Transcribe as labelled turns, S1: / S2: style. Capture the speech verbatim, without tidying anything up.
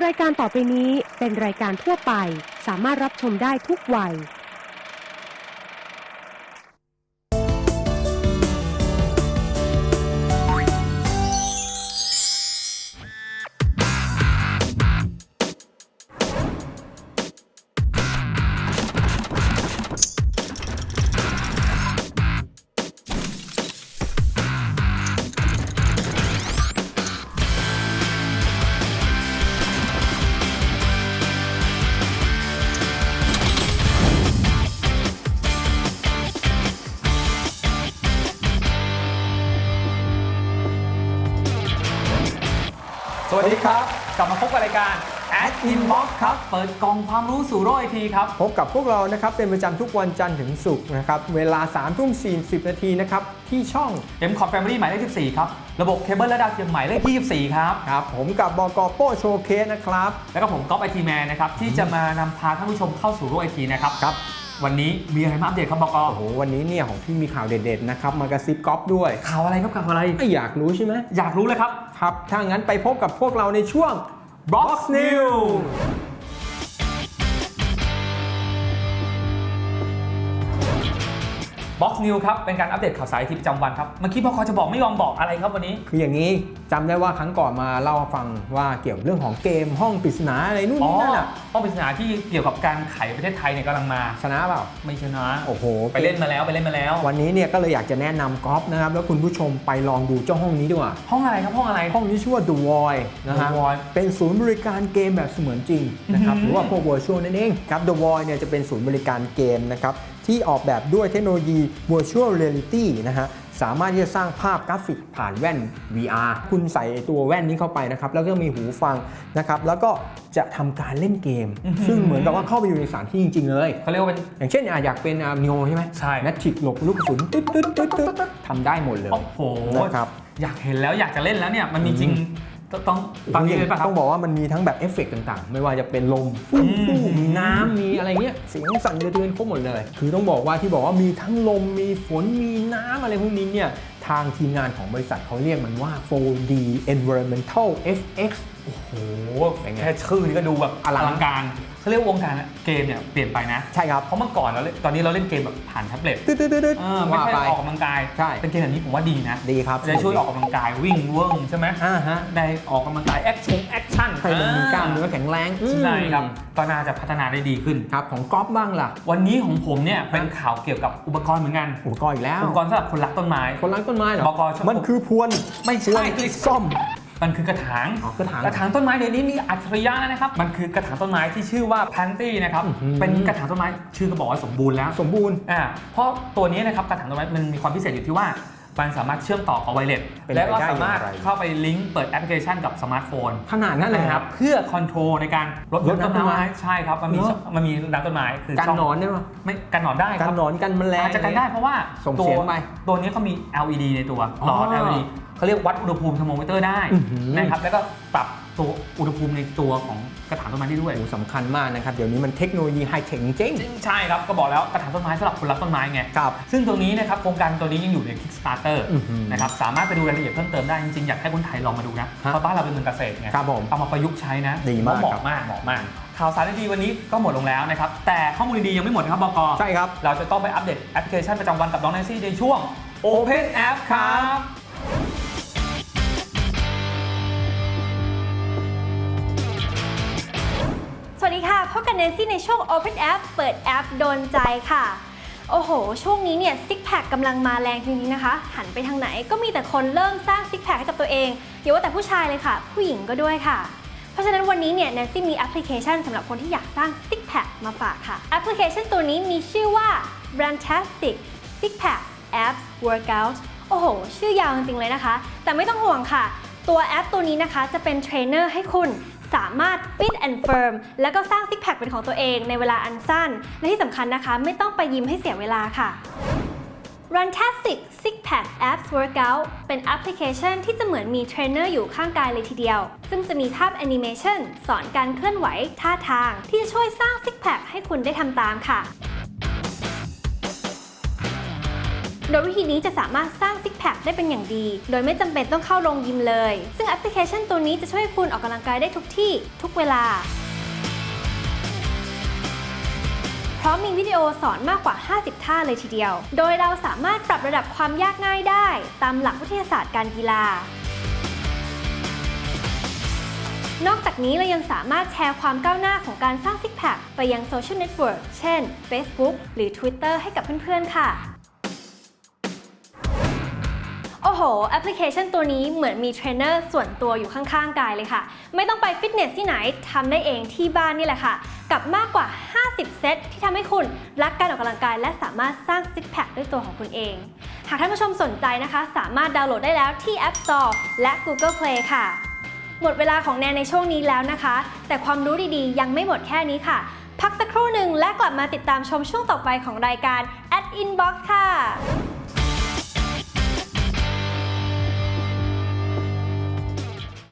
S1: รายการต่อไปนี้เป็นรายการทั่วไปสามารถรับชมได้ทุกวัย
S2: สวัสดีครับกลับมาพบกับรายการ Ad Inbox ครับเปิดกล่องความรู้สู่โลกไอทีครับ
S3: พบกับพวกเรานะครับเป็นประจำทุกวันจันทร์ถึงศุกร์นะครับเวลา สามทุ่มสี่สิบ นาทีนะครับที่ช่อง
S2: เอ็ม คอม Family หมายเลขสิบสี่ครับระบบเคเบิลและดาวเทียมหมายเลขยี่สิบสี่ครับ
S3: ครับผมกับบก.โป้โชว์เคสนะครับ
S2: แล้วก็ผมก๊อฟไอทีแมนนะครับที่จะมานำพาท่านผู้ชมเข้าสู่โลกไอทีนะครับ
S3: ครับ
S2: วันนี้มีอะไรมาอัปเดตครับบก.
S3: โอ้โหวันนี้เนี่ยของพี่มีข่าวเด็ดๆนะครับมากระซิบก๊อฟด้วย
S2: ข่าวอะไรครับข่าวอะไร
S3: ไม่อยากรู้ใช่ไหม
S2: อยากรู้เลยครับ
S3: ครับถ้างั้นไปพบกับพวกเราในช่วง Box News
S2: Box News ครับเป็นการอัปเดตข่าวสารไอทีประจำวันครับเมื่อกี้บก.จะบอกไม่ยอมบอกอะไรครับวันนี้
S3: คืออย่างนี้จำได้ว่าครั้งก่อนมาเล่าฟังว่าเกี่ยวเรื่องของเกมห้องปริศนาอะไรนู่นนี่นั่นอ่ะ
S2: ห้องปริศนาที่เกี่ยวกับการไขประเทศไทยเนี่ยกำลังมา
S3: ชนะเปล่า
S2: ไม่ชนะ
S3: โอ้โห
S2: ไปเล่นมาแล้วไปเล่นมาแล้ว
S3: วันนี้เนี่ยก็เลยอยากจะแนะนำก๊อฟนะครับแล้วคุณผู้ชมไปลองดูเจ้าห้องนี้ดีกว่า
S2: ห้องอะไรครับห้องอะไร
S3: ห้องนี้ชื่อว่า The Void นะฮะเป็นศูนย์บริการเกมแบบเสมือนจริงนะครับหรือว่าพวก Virtual นั่นเองครับ The Void เนี่ยจะเป็นศูนย์บริการเกมนะครับที่ออกแบบด้วยเทคโนโลยี Virtual Reality นะฮะสามารถที่จะสร้างภาพกราฟิกผ่านแว่น วี อาร์ คุณใส่ตัวแว่นนี้เข้าไปนะครับแล้วก็มีหูฟังนะครับแล้วก็จะทำการเล่นเกมซึ่งเหมือนกับว่าเข้าไปอยู่ในสถานที่จริงๆเลย
S2: เขาเรียกว่าเป็น
S3: อย่างเช่นอยากเป็นนิโอใช่ไหม
S2: ใช่
S3: นัทฉิกหลบลูกกระสุนตึ๊ดตึ๊ดตึ๊ดตึ๊ดทำได้หมดเลย
S2: โอ้โห
S3: นะครับ
S2: อยากเห็นแล้วอยากจะเล่นแล้วเนี่ยมันมีจริงต้องตอนนี้เลยป่ะครับ
S3: ต้องบอกว่ามันมีทั้งแบบเอฟเฟกต์ต่างๆไม่ว่าจะเป็นลมฟู่ฟู่มีน้ำมีอะไรเงี้ยเสียงสั่นสะเทือนครบหมดเลยคือต้องบอกว่าที่บอกว่ามีทั้งลมมีฝนมีน้ำอะไรพวกนี้เนี่ยทางทีมงานของบริษัทเขาเรียกมันว่า โฟร์ดี Environmental เอฟ เอ็กซ์
S2: โอ้โหแค่ชื่อนี่ก็ดูแบบอลังการเขาเรียกวงการเกมเนี่ยเปลี่ยนไปนะ
S3: ใช่ครับ
S2: เพราะเมื่อก่อนเราตอนนี้เราเล่นเกมแบบผ่านแท็บเล็ต
S3: ตึ๊ด
S2: ๆๆไม่ใช่ออกกำลังกาย
S3: ใช่
S2: เป็นเกมแบบนี้ผมว่าดีนะ
S3: ดีครับ
S2: จะช่วยออกกำลังกายวิ่งเวิ้งใช่ไหม
S3: อ่าฮะ
S2: ได้ออกกำลังกายแอคชั่นแอคชั่น
S3: ให้มันมีกล้ามเนื้อแข็งแรง
S2: ใช่ครับก็น่าจะพัฒนาได้ดีขึ้น
S3: ครับของก๊อฟบ้างล่ะ
S2: วันนี้ของผมเนี่ยเป็นข่าวเกี่ยวกับอุปกรณ์เหมือนกัน
S3: อุปกรณ์อีกแล้ว
S2: อุปกรณ์สำหรับคนรักต้นไม้
S3: คนรักต้นไม้เหรอมันคือพวน
S2: ไม่ใช่
S3: คือซ่อม
S2: มันคือกระถาง
S3: กระถาง
S2: กระถางต้นไม้เดี๋ยวนี้มีอัจฉริยะนะครับมันคือกระถางต้นไม้ที่ชื่อว่า Planty นะครับเป็นกระถางต้นไม้ชื่อก็บอกว่าสมบูรณ์แล้ว
S3: สมบูรณ์
S2: อ่าเพราะตัวนี้นะครับกระถางต้นไม้มันมีความพิเศษอยู่ที่ว่ามันสามารถเชื่อมต่อกับไวเลสและก็สามารถเข้าไปลิงก์เปิดแอปพลิเคชันกับสมาร์ทโฟน
S3: ขนาดนั้นเลย
S2: ครับเพื่อคอนโทรลในการลดต้นไม้ใช่ครับมันมีมันมีน้ำต้นไม้คือ
S3: กันหนอนได้ไหม
S2: ไม่กันหนอนได้
S3: กันหนอนกันแมลง
S2: อาจจะกันได้เพราะว่า
S3: ส่งเสียงไป
S2: ตัวนี้เขามี แอล อี ดี ในตัวหลอด แอล อี ดี เขาเรียกวัดอุณหภูมิเทอร์โมมิเตอร์ได้นะครับแล้วก็ปรับตัวอุณหภูมิในตัวของกระถางต้นไม้ได้ด้วย
S3: สำคัญมากนะครับเดี๋ยวนี้มันเทคโนโลยีไฮเทคจริง
S2: ใช่ครับก็บอกแล้วกระถางต้นไม้สำหรับคนรักต้นไม้ไง
S3: ครับ
S2: ซึ่งตรงนี้นะครับโครงการตัวนี้ยังอยู่ใน Kickstarter นะครับสามารถไปดูรายละเอียดเพิ่มเติมได้จริงๆอยากให้คนไทยลองมาดูนะเพราะบ้านเราเป็นเมืองเกษตรไง
S3: ครับผม
S2: เอามาประยุกต์ใช้นะ
S3: ดีมาก
S2: เหมาะมากเหมาะมากข่าวสารดีวันนี้ก็หมดลงแล้วนะครับแต่ข้อมูลดียังไม่หมดครับบก.
S3: ใช่ครับ
S2: เราจะต้องไปอัปเดตแอปพลิเคชันประจำวันกับน้องแนนซี่ในช่วง Open App ครับ
S4: สวัสดีค่ะพบกันแนนซี่ในช่วง Open App เปิดแอปโดนใจค่ะโอ้โหช่วงนี้เนี่ยซิกแพคกำลังมาแรงจริงๆนะคะหันไปทางไหนก็มีแต่คนเริ่มสร้างซิกแพคให้กับตัวเองอย่าว่าแต่ผู้ชายเลยค่ะผู้หญิงก็ด้วยค่ะเพราะฉะนั้นวันนี้เนี่ยแนนซี่มีแอปพลิเคชันสำหรับคนที่อยากสร้างซิกแพคมาฝากค่ะแอปพลิเคชันตัวนี้มีชื่อว่า Brandtastic Six Pack Abs Workout โอ้โหชื่อยาวจริงๆเลยนะคะแต่ไม่ต้องห่วงค่ะตัวแอปตัวนี้นะคะจะเป็นเทรนเนอร์ให้คุณสามารถ fit and firm แล้วก็สร้างซิกแพคเป็นของตัวเองในเวลาอันสั้นและที่สำคัญนะคะไม่ต้องไปยิมให้เสียเวลาค่ะ Runtastic Six Pack Abs Workout เป็นแอปพลิเคชันที่จะเหมือนมีเทรนเนอร์อยู่ข้างกายเลยทีเดียวซึ่งจะมีภาพแอนิเมชันสอนการเคลื่อนไหวท่าทางที่จะช่วยสร้างซิกแพคให้คุณได้ทำตามค่ะโดยวิธีนี้จะสามารถสร้างซิกแพคได้เป็นอย่างดี โดยไม่จำเป็นต้องเข้าโรงยิมเลย ซึ่งแอปพลิเคชันตัวนี้จะช่วยคุณออกกำลังกายได้ทุกที่ทุกเวลาเพราะมีวิดีโอสอนมากกว่าห้าสิบท่าเลยทีเดียว โดยเราสามารถปรับระดับความยากง่ายได้ตามหลักวิทยาศาสตร์การกีฬานอกจากนี้เรายังสามารถแชร์ความก้าวหน้าของการสร้างซิกแพคไปยังโซเชียลเน็ตเวิร์กเช่น Facebook หรือ Twitter ให้กับเพื่อนๆค่ะโอ้โหแอปพลิเคชันตัวนี้เหมือนมีเทรนเนอร์ส่วนตัวอยู่ข้างๆกายเลยค่ะไม่ต้องไปฟิตเนสที่ไหนทำได้เองที่บ้านนี่แหละค่ะกับมากกว่าห้าสิบเซตที่ทำให้คุณรักการออกกำลังกายและสามารถสร้างซิกแพคด้วยตัวของคุณเองหากท่านผู้ชมสนใจนะคะสามารถดาวน์โหลดได้แล้วที่ App Store และ Google Play ค่ะหมดเวลาของแนนในช่วงนี้แล้วนะคะแต่ความรู้ดีๆยังไม่หมดแค่นี้ค่ะพักสักครู่หนึ่งและกลับมาติดตามชมช่วงต่อไปของรายการ At Inbox ค่ะ